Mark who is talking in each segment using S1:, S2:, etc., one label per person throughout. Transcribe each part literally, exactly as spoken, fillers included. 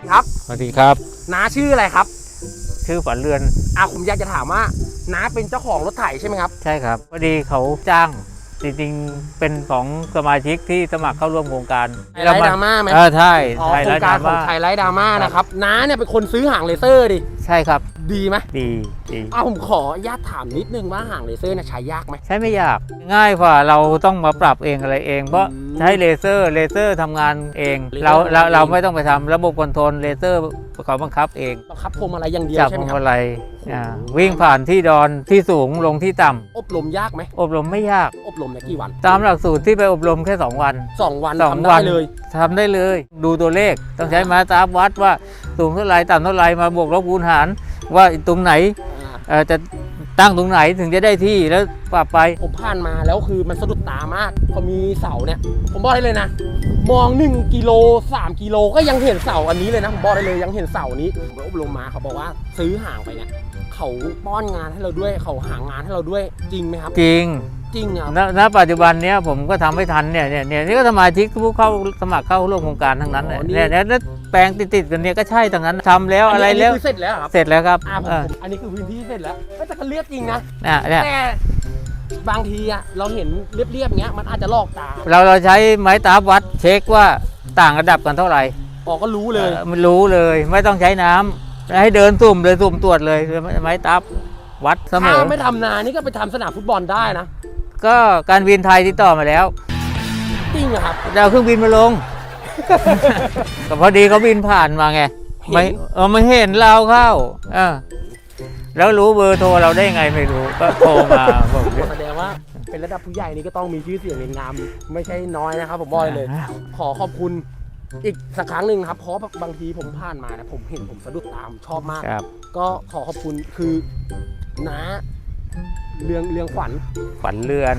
S1: ครับ
S2: สวัสดีครับ
S1: น้าชื่ออะไรครับ
S2: ชื่อฝันเรือน
S1: อ่ะผมอยากจะถามว่าน้าเป็นเจ้าของรถไถใช่ไหมครับ
S2: ใช่ครับพอดีเขาจ้างจริงๆเป็นของสมาชิกที่สมัครเข้าร่วมโครงการ
S1: ไทยไลท์ดราม่าไหม
S2: เออใช่
S1: อ๋อโครงการของไทยไลท์ดราม่านะครับน้าเนี่ยเป็นคนซื้อหางเลเซอร์ดิ
S2: ใช่ครับ
S1: ดีไหม
S2: ดีดี
S1: อ้าวผมขออนุญาตถามนิดนึงว่าหางเลเซอร์เนี่ยใช้ยากไหม
S2: ใช้ไม่ยากง่ายกว่าเราต้องมาปรับเองอะไรเองเพราะใช้เลเซอร์เลเซอร์ทำงานเองเราเราเราไม่ต้องไปทำระบบคอนโทรลเลเซอร์เขาบังคับเอง
S1: บังคับพวงมาลัยอย่างเดียว
S2: จับ
S1: ใช่
S2: พ
S1: ไหม
S2: วง
S1: ครับ
S2: มาลัยวิ่งผ่านที่ดอนที่สูงลงที่ต่ำ
S1: อบรมยากไหม
S2: อบรมไม่ยาก
S1: อบรมในกี่วัน
S2: ตามหลักสูตรที่ไปอบรมแค่สองวัน
S1: สองวัน
S2: สอง
S1: ทำได้เลย
S2: ทำได้เลยดูตัวเลขต้องใช้มาตราวัดว่าสูงเท่าไรต่ำเท่าไรมาบวกลบคูณหารว่าตรงไหนจะตั้งตรงไหนถึงจะได้ที่แล้วปรับไป
S1: ผมผ่านมาแล้วคือมันสะดุดตามากพอมีเสาเนี่ยผมบอกได้เลยนะมองหนึ่งกิโลสามกิโลก็ยังเห็นเสาอันนี้เลยนะผมบอกได้เลยยังเห็นเสานี้ผมอบรมมาเขาบอกว่าซื้อห่างไปเนี่ยเขาป้อนงานให้เราด้วยเขาหางานให้เราด้วยจริงไหมครับ
S2: จริง
S1: จริงครับ
S2: ณปัจจุบันนี้ผมก็ทำไม่ทันเนี่ยเนี่ยเนี่ยนี่ก็สมาชิกผู้เข้าสมัครเข้าร่วมโครงการทั้งนั้นเนี่ยเนี่ยแปลงติดๆกันเนี่ยก็ใช่ทั้งนั้นทำแล้วอะไรแล้ว
S1: เสร็จแล้วครับ
S2: เสร็จแล้วครับ
S1: อันนี้คือพื้นที่เสร็จแล้วแต่ก็เรียบจริงนะ
S2: แต่
S1: บางทีอะเราเห็นเรียบๆเงี้ยมันอาจจะลอกตา
S2: เราเราใช้ไม้ตาวัดเช็คว่าต่างระดับกันเท่าไหร่
S1: อ๋อก็รู้เลย
S2: มันรู้เลยไม่ต้องใช้น้ำให้เดินสุ่มเลยสุ่มตรวจเลยไม้ตาวัดเสมอ
S1: ถ้าไม่ทำนานี่ก็ไปทำสนามฟุตบอลได้นะ
S2: ก็การบินไทยติดต่อมาแล้ว
S1: จริงเหรอครับ
S2: ดาวเครื่องบินมาลงก็พอดีเขาบินผ่านมาไงไม่เออไม่เห็นเราเข้าเออแล้วรู้เบอร์โทรเราได้ไงไม่รู้ก็โทรมาบอก
S1: แสดงว่าเป็นระดับผู้ใหญ่นี่ก็ต้องมีชื่อเสียงเรียงนามไม่ใช่น้อยนะครับผมบอกเลยขอขอบคุณอีกสักครั้งหนึ่งครับเพราะบางทีผมผ่านมานะผมเห็นผมสะดุดตามชอบมากก็ขอขอบคุณคือน้าเรืองเรืองขวัญ
S2: ขวัญเรือน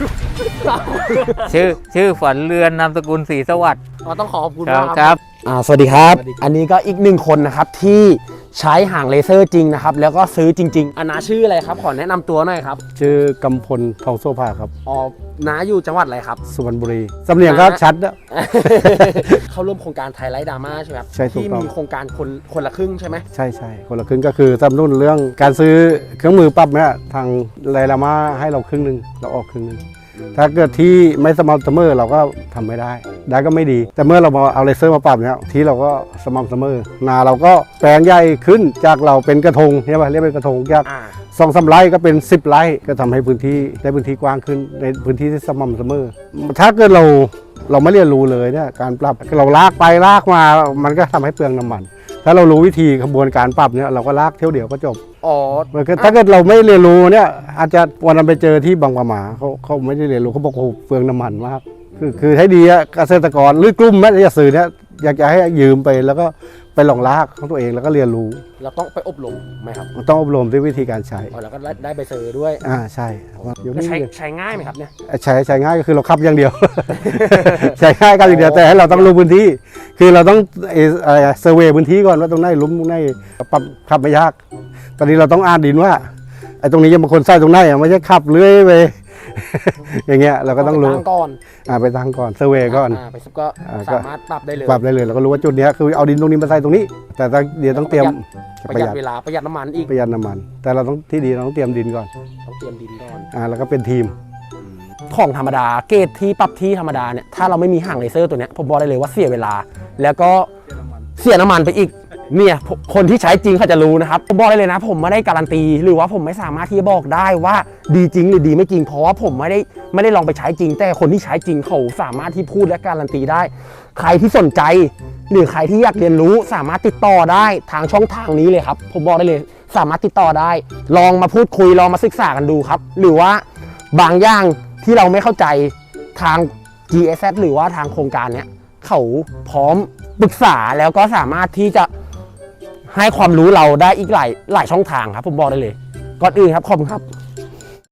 S2: ชื่อชื่อขวัญเรือนนามสกุลศรีสวัสดิ์
S1: ก็ต้องขอขอบคุณมากครับอ่าสวัสดีครับอันนี้ก็อีกหนึ่งคนนะครับที่ใช้หางเลเซอร์จริงนะครับแล้วก็ซื้อจริงๆอ่ะน้าชื่ออะไรครับขอแนะนำตัวหน่อยครับ
S3: ชื่อกำพลทองโซภาครับ
S1: อ๋อน้าอยู่จังหวัดอะไรครับ
S3: สุพรรณบุรีสำเนียงก็ชัดนะ
S1: เข้าร่วมโครงการไทยไลท์ดราม่าใช่ไหมครับ
S3: ใช่
S1: ที่มีโครงการคนคนละครึ่งใช่ไหม
S3: ใช่ใช่คนละครึ่งก็คือสนับสนุนเรื่องการซื้อเครื่องมือปรับเนี่ยทางไลท์ดราม่าให้เราครึ่งหนึ่งเราออกครึ่งหนึ่งถ้าเกิดที่ไม่สม่ำเสมอเราก็ทำไม่ได้ได้ก็ไม่ดีแต่เมื่อเรามาเอาเลเซอร์มาปรับเนี่ยที่เราก็สม่ำเสมอนาเราก็แปลงใหญ่ขึ้นจากเราเป็นกระทงใช่ไหมเรียกเป็นกระทงจากสองสามไร่ก็เป็นสิบไร่ก็ทำให้พื้นที่ได้พื้นที่กว้างขึ้นในพื้นที่ที่สม่ำเสมอถ้าเกิดเราเราไม่เรียนรู้เลยเนี่ยการปรับเราลากไปลากมามันก็ทำให้เปลืองน้ำมันถ้าเรารู้วิธีกระบวนการปรับเนี่ยเราก็ลากเที่ยวเดียวก็จบ
S1: อ๋อ
S3: ถ้าเกิดเราไม่เรียนรู้เนี่ยอาจจะวันนั้นไปเจอที่บางปะหมาเขาเขาไม่ได้เรียนรู้เขาบอกโอ้เปลืองน้ำมันมากคือคือให้ดีอะเกษตรกรหรือกลุ่มแม่จะสื่อเนี่ยอยากจะให้ยืมไปแล้วก็ไปลองลากของตัวเองแล้วก็เรียนรู้
S1: เราต้องไปอบรมไหมครับ
S3: ต้องอบรมด้วยวิธีการใช้
S1: อ๋อแล้วก็ได้ใบเซอร์ด้วย
S3: อ่าใช่
S1: ใช้ใช้ง่ายไหมครับเนี่ย
S3: ใช้ใช้ง่ายก็คือเราขับอย่างเดียวใช้ง่ายกันอย่างเดียวแต่ให้เราต้องรู้พื้นที่คือเราต้องอะไรเซอร์เวย์พื้นที่ก่อนว่าตรงไหนลุ่มตรงไหนปรับขับไม่ยากตอนนี้เราต้องอ่านดินว่าไอ้ตรงนี้ยังบางคนใส่ตรงไหนไม่ใช่ขับเลื้อยไปอย่างเงี้ยเราก็ต้องรู้
S1: ก่อน
S3: อ่าไปตั้งก่อนเซอร์เวย์ก่อน
S1: ไปซุปก็สามารถปรับได้เลย
S3: ปรับได้เลยเราก็รู้ว่าจุดนี้คือเอาดินตรงนี้มาใส่ตรงนี้แต่เดี๋ยวต้องเตรียม
S1: ประหยัดเวลาประหยัดน้ำมันอีก
S3: ประหยัดน้ำมันแต่เราต้องที่ดีเราต้องเตรียมดินก่อน
S1: ต้องเตรียมดินก่อน
S3: อ่าแล้วก็เป็นทีม
S1: ของธรรมดาเกรดที่ปรับที่ธรรมดาเนี่ยถ้าเราไม่มีห่างเลเซอร์ตัวเนี้ยผมบอกได้เลยว่าเสียเวลาแล้วก็เสียน้ำมันไปอีกเนี่ยคนที่ใช้จริงเขาจะรู้นะครับผมบอกได้เลยนะผมไม่ได้การันตีหรือว่าผมไม่สามารถที่จะบอกได้ว่าดีจริงหรือดีไม่จริงเพราะว่าผมไม่ได้ไม่ได้ลองไปใช้จริงแต่คนที่ใช้จริงเขาสามารถที่พูดและการันตีได้ใครที่สนใจหรือใครที่อยากเรียนรู้สามารถติดต่อได้ทางช่องทางนี้เลยครับผมบอกได้เลยสามารถติดต่อได้ลองมาพูดคุยลองมาศึกษากันดูครับหรือว่าบางอย่างที่เราไม่เข้าใจทาง จี เอส เอส หรือว่าทางโครงการเนี้ยเขาพร้อมปรึกษาแล้วก็สามารถที่จะให้ความรู้เราได้อีกหลายหลายช่องทางครับผมบอกได้เลยก่อนอื่นครับขอบคุณครับ